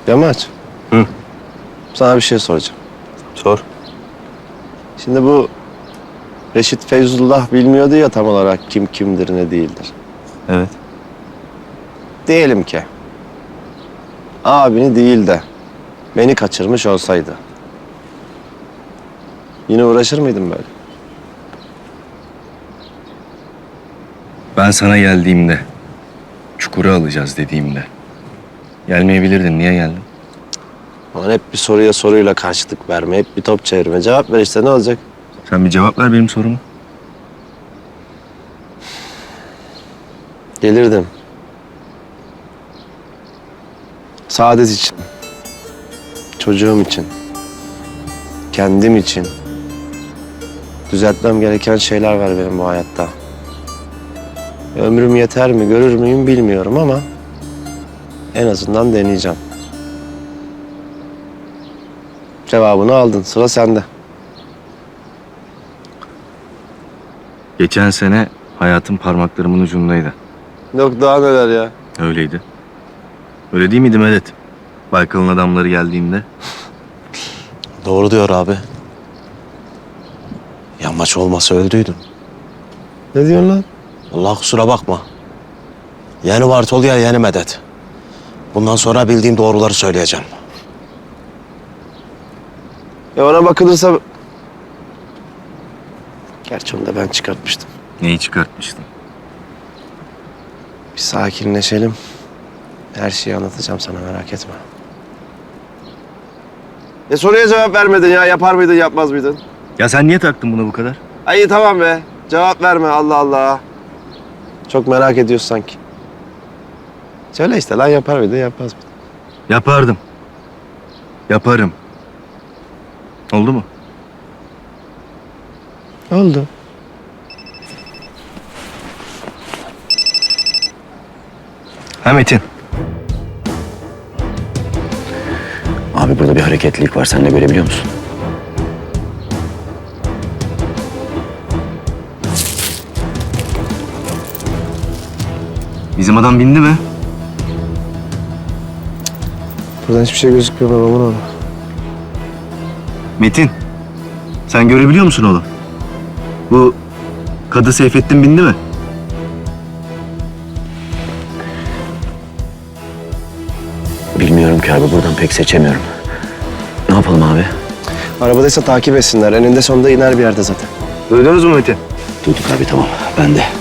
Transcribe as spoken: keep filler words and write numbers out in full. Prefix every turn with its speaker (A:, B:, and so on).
A: Yamaç.
B: Hı.
A: Sana bir şey soracağım.
B: Sor.
A: Şimdi bu Reşit Feyzullah bilmiyordu ya tam olarak kim kimdir ne değildir.
B: Evet.
A: Diyelim ki abini değil de beni kaçırmış olsaydı. Yine uğraşır mıydın böyle?
B: Ben sana geldiğimde, çukura alacağız dediğimde gelmeyebilirdin. Niye geldin?
A: Aman hep bir soruya soruyla karşılık verme, hep bir top çevirme. Cevap ver işte ne olacak?
B: Sen bir cevap ver benim soruma.
A: Gelirdim. Saadet için. Çocuğum için. Kendim için. Düzeltmem gereken şeyler var benim bu hayatta. Ömrüm yeter mi, görür müyüm bilmiyorum ama en azından deneyeceğim. Cevabını aldın, sıra sende.
B: Geçen sene hayatım parmaklarımın ucundaydı.
A: Yok daha neler ya.
B: Öyleydi. Öyle değil miydi Medet? Baykal'ın adamları geldiğinde.
C: Doğru diyor abi. Yamaç olmasa öldüydüm.
A: Ne diyorsun lan?
C: Allah kusura bakma. Yeni Bartol ya yeni Medet. Bundan sonra bildiğim doğruları söyleyeceğim.
A: Ya ona bakılırsa... Gerçi onu da ben çıkartmıştım.
B: Neyi çıkartmıştın?
A: Bir sakinleşelim. Her şeyi anlatacağım sana, merak etme. Ya soruya cevap vermedin ya. Yapar mıydın, yapmaz mıydın?
B: Ya sen niye taktın buna bu kadar?
A: Ay iyi, tamam be. Cevap verme, Allah Allah. Çok merak ediyorsun sanki. Söyle işte lan, yapar mıydın, yapmaz mıydın?
B: Yapardım. Yaparım. Oldu mu?
A: Oldu.
B: Ha Metin?
D: Abi burada bir hareketlilik var. Sen de görebiliyor musun?
B: Bizim adam bindi mi?
A: Buradan hiçbir şey gözükmüyor babamın oğlu.
B: Metin, sen görebiliyor musun oğlum? Bu Kadı Seyfettin bindi mi?
D: Bilmiyorum ki abi. Buradan pek seçemiyorum. Ne yapalım abi?
A: Arabadaysa takip etsinler. Eninde sonunda iner bir yerde zaten.
B: Duydunuz mu Metin?
D: Duyduk abi, tamam. Ben de.